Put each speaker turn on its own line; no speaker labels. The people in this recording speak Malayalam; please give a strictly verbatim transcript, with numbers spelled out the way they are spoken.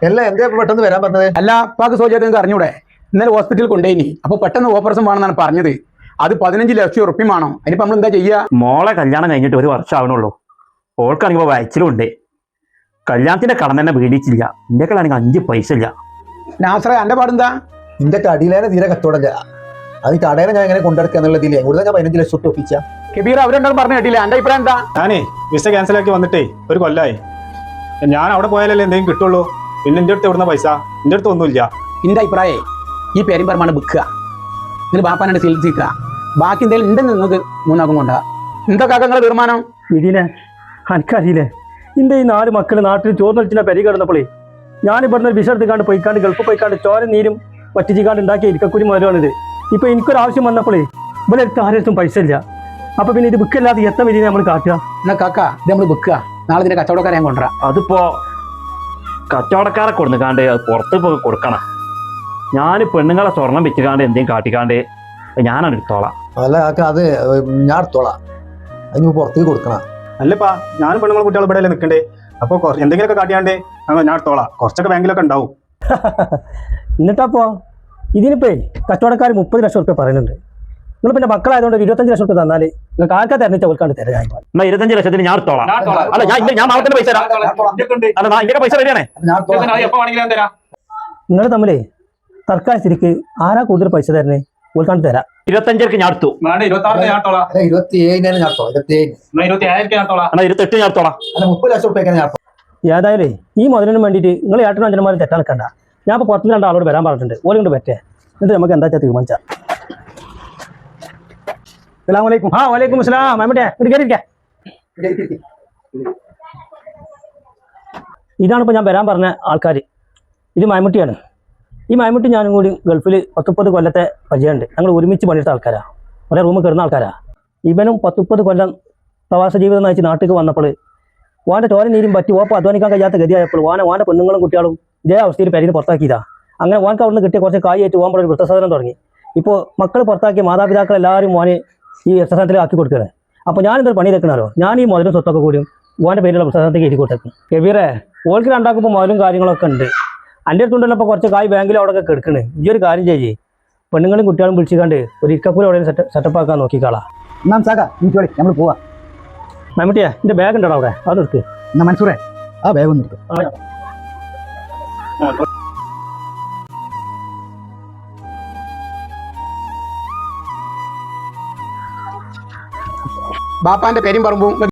എല്ലാം എന്താ പെട്ടെന്ന് വരാൻ പറഞ്ഞത്?
അല്ല പാക്ക് സോചാർക്ക് അറിഞ്ഞൂടെ? ഇന്നലെ ഹോസ്പിറ്റലിൽ കൊണ്ടുപോയി. അപ്പൊ പെട്ടെന്ന് ഓപ്പറേഷൻ വേണമെന്നാണ് പറഞ്ഞത്. അത് പതിനഞ്ച് ലക്ഷം ഉറുപ്പ്യ വേണം. അതിനിപ്പോ നമ്മൾ എന്താ ചെയ്യാ?
മോളെ കല്യാണം കഴിഞ്ഞിട്ട് ഒരു വർഷം ആവണുള്ളൂ. ഓൾക്കാണെങ്കിൽ വയച്ചിലുണ്ട്. കല്യാണത്തിന്റെ കടം തന്നെ വീടിച്ചില്ല. എന്റെ കളാണെങ്കിൽ അഞ്ച് പൈസ ഇല്ല.
നാസറ എന്റെ പാടെന്താ?
നിന്റെ കടിയിലേനെ തീരെ കത്തോടല്ല. അത് കടയിലെ ഞാൻ എങ്ങനെ കൊണ്ടെടുക്കുക എന്നുള്ളതിൽ കൂടുതൽ ഞാൻ പതിനഞ്ച് ലക്ഷം തൊട്ട് ഒപ്പിച്ച.
കബീർ അവരുണ്ടെന്ന് പറഞ്ഞു കേട്ടില്ല. എന്റെ അഭിപ്രായം എന്താ?
ഞാനേ വിസ ക്യാൻസൽ ആക്കി വന്നിട്ടേ ഒരു കൊല്ലായി. ഞാൻ അവിടെ പോയാലല്ലേ എന്തെങ്കിലും കിട്ടുള്ളൂ. പിന്നെ എൻ്റെ അടുത്ത് എവിടുന്ന പൈസ? എൻ്റെ അടുത്ത് ഒന്നുമില്ല.
എന്റെ അഭിപ്രായേ ഈ പേരും പറമാണ് വിൽക്കുക. നിങ്ങൾ ബാപ്പാനെ ചികിത്സിക്കുക. ബാക്കി എന്തെങ്കിലും ഉണ്ടെന്ന് നിങ്ങൾക്ക് മൂന്നാക്കും കൊണ്ടാ. എന്തൊക്കെ നിങ്ങളുടെ തീരുമാനം?
ഇതിനെ എനിക്കറിയില്ലേ, എൻ്റെ ഈ നാല് മക്കൾ നാട്ടിൽ ചോർന്നൊളിച്ചിനെ പെരി കിടന്നപ്പോളേ ഞാൻ ഇവിടുന്ന് വിസ എടുത്തുകാണ്ട് പോയിക്കാണ്ട് ഗൾഫ് പോയിക്കാണ്ട് ചോര നീരും പറ്റിച്ചിക്കാണ്ട് ഉണ്ടാക്കിയ ഇരിക്കക്കുരി മുതലാണിത്. ഇപ്പൊ എനിക്കൊരാവശ്യം വന്നപ്പോളേ ഇവിടെ അടുത്ത് ആരും പൈസ ഇല്ല. അപ്പൊ പിന്നെ ഇത് ബുക്കല്ലാതെ എത്ര വിധി നമ്മൾ കാട്ടുക?
എന്നാ കാക്ക ഇത് നമ്മൾ വിൽക്കുക. നാളെ ഇതിന്റെ കച്ചവടക്കാരെ ഞാൻ കൊണ്ടുവരാം.
അതിപ്പോ കച്ചവടക്കാരെ കൊടുക്കാണ്ട് അത് പുറത്ത് പോയി കൊടുക്കണം. ഞാൻ പെണ്ണുങ്ങളെ സ്വർണം വെച്ചുകാണ്ട് എന്തെങ്കിലും കാട്ടിക്കാണ്ട് ഞാനാണ് എടുത്തോളാം.
അല്ല കാക്ക, അത് ഞാൻ എടുത്തോളാം. അതിന് പുറത്തേക്ക് കൊടുക്കണം.
അല്ലപ്പാ, ഞാനും പെണ്ണുങ്ങൾ കുട്ടികൾ ഇവിടെ അല്ലേ നിൽക്കണ്ടേ? അപ്പോൾ എന്തെങ്കിലുമൊക്കെ കാട്ടിയാണ്ട് ഞാൻ എടുത്തോളാം. കുറച്ചൊക്കെ ബാങ്കിലൊക്കെ ഉണ്ടാവും.
എന്നിട്ടപ്പോ ഇതിനിപ്പേ കച്ചവടക്കാർ മുപ്പത് ലക്ഷം റുപ്യ പറയുന്നുണ്ട്. നിങ്ങൾ പിന്നെ മക്കളായതുകൊണ്ട് ഒരു ഇരുപത്തഞ്ച് ലക്ഷം റുപ്യ തന്നാൽ നിങ്ങൾക്ക് ആർക്കാ തെരഞ്ഞെടുത്ത കൊടുക്കാണ്ട് തരാം.
എന്നാ ഇരുപത്തഞ്ച് ലക്ഷത്തിന് ഞാൻ എടുത്തോളാം. അല്ല ഞാൻ ഞാൻ നാളെ തന്നെ പൈസ തരാം. അല്ല ഞാൻ ഇങ്ങനെ പൈസ റെഡിയാണേ.
നിങ്ങൾ തമ്മിലേ സർക്കാർ സ്ഥിതിക്ക് ആരാ കൂടുതൽ പൈസ തരണേ കൊടുക്കാണ്ട് തരാം.
ഇരുപത്തഞ്ചർക്ക് ഞാൻ എടുത്തു.
ഇരുപത്തി ഏഴിനാണ് ഞാൻ ഇരുപത്തി ഏഴിന്
എന്നാ ഇരുപത്തെട്ട് ഞാൻ എടുത്തോളാം.
അല്ല മുപ്പത് ലക്ഷം റുപ്യ ഞാൻ
ഏതായാലും ഈ മുതലിന് വേണ്ടിയിട്ട് നിങ്ങൾ ഏട്ടനും അഞ്ചന്മാരും തെറ്റാൽക്കണ്ട. ഞാൻ ഇപ്പോൾ പുറത്തുനിന്ന് രണ്ട് ആളോട് വരാൻ പറഞ്ഞിട്ടുണ്ട്. ഓരോ കൊണ്ട് പറ്റേ എന്നിട്ട് നമുക്ക് എന്താ വെച്ചാൽ തീരുമാനിച്ചാൽ. അസ്സലാമു അലൈക്കും. ആ വലൈക്കും അസ്സലാം. മമ്മൂട്ടിയെ ഇങ്ങോട്ട് കയറിയിരിക്കാം. ഇതാണിപ്പോൾ ഞാൻ വരാൻ പറഞ്ഞ ആൾക്കാർ. ഇത് മമ്മൂട്ടിയാണ്. ഈ മമ്മൂട്ടി ഞാനും കൂടി ഗൾഫിൽ പത്തുപ്പത് കൊല്ലത്തെ പരിചയമുണ്ട്. ഞങ്ങൾ ഒരുമിച്ച് പണിയെടുത്ത ആൾക്കാരാണ്. ഒരേ റൂമിൽ കയറുന്ന ആൾക്കാരാണ്. ഇവനും പത്തുപ്പത് കൊല്ലം പ്രവാസ ജീവിതം നയിച്ച് നാട്ടിലേക്ക് വന്നപ്പോൾ വാൻ്റെ ചോര നീരും പറ്റി ഓപ്പം അധ്വാനിക്കാൻ കഴിയാത്ത ഗതിയായപ്പോൾ വാന വാൻ്റെ പെണ്ണുങ്ങളും കുട്ടികളും ഇതേ അവസ്ഥയിൽ പെരീന്ന് പുറത്താക്കിയതാ. അങ്ങനെ വാൻക്ക് അവിടുന്ന് കിട്ടിയ കുറച്ച് കായായിട്ട് ഓമ്പോൾ ഒരു വൃദ്ധസാധനം തുടങ്ങി. ഇപ്പോൾ മക്കൾ പുറത്താക്കിയ മാതാപിതാക്കൾ എല്ലാവരും മോനെ ഈ വൃദ്ധസാധനത്തിൽ ആക്കി കൊടുക്കുകയാണ്. അപ്പോൾ ഞാനെന്തൊരു പണി വെക്കണമല്ലോ, ഞാൻ ഈ മുതലും സ്വത്തൊക്കെ കൂടിയും വാൻ്റെ പേരിലുള്ള വൃദ്ധസാധനത്തേക്ക് എഴുതി കൊടുത്തേക്കും. കബീറെ ഓൾക്ക് രണ്ടാക്കുമ്പോൾ മുതലും കാര്യങ്ങളൊക്കെ ഉണ്ട്. എൻ്റെ അടുത്തുണ്ടല്ലോ ഇപ്പോൾ കുറച്ച് കായ് ബാങ്കിൽ അവിടെയൊക്കെ കിടക്കണേ. ഈ ഒരു കാര്യം ചെയ്യേ, പെണ്ണുങ്ങളും കുട്ടികളും വിളിച്ചിക്കാണ്ട് ഒരു ഇക്കക്കൂല അവിടെ സെറ്റ് സെറ്റപ്പ് ആക്കാൻ നോക്കിക്കാളാം.
എന്നാ സാക്ക നീ നമ്മൾ പോവാ.
മമ്മൂട്ടിയാ എൻ്റെ ബാഗ് ഉണ്ടോ അവിടെ? അത് എടുക്ക്.
എന്നാ മൻസൂറേ ആ ബാഗ് ഒന്ന് എടുക്കും. ബാപ്പാന്റെ പേരും പറമ്പും